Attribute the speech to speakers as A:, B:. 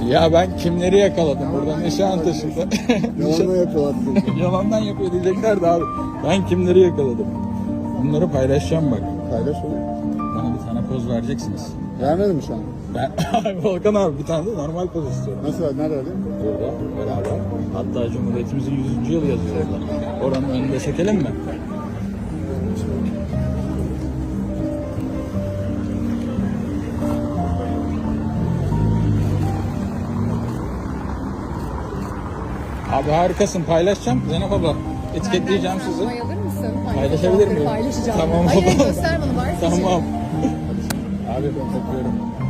A: Ya ben kimleri yakaladım burada Nişantaşı'nda.
B: Yalanla yapıyorlar.
A: Yalandan yapıyor diyeceklerdi abi. Ben kimleri yakaladım. Bunları paylaşacağım bak.
B: Paylaş oğlum.
A: Bana bir tane poz vereceksiniz.
B: Vermedin mi şu an?
A: Ben Volkan abi bir tane de normal poz istiyorum.
B: Nasıl ver? Nerede alayım?
A: Burada beraber. Hatta Cumhuriyetimizin 100. yılı yazıyor orada. Oranın önünde çekelim mi? Abi harikasın, paylaşacağım Zeynep abla. Etiketleyeceğim sizi.
C: Onay alır mısın?
A: Paylaşabilir miyim?
C: Paylaşacağım.
A: Tamam.
C: Hayır göster bana var.
A: Tamam. Abi ben öpüyorum.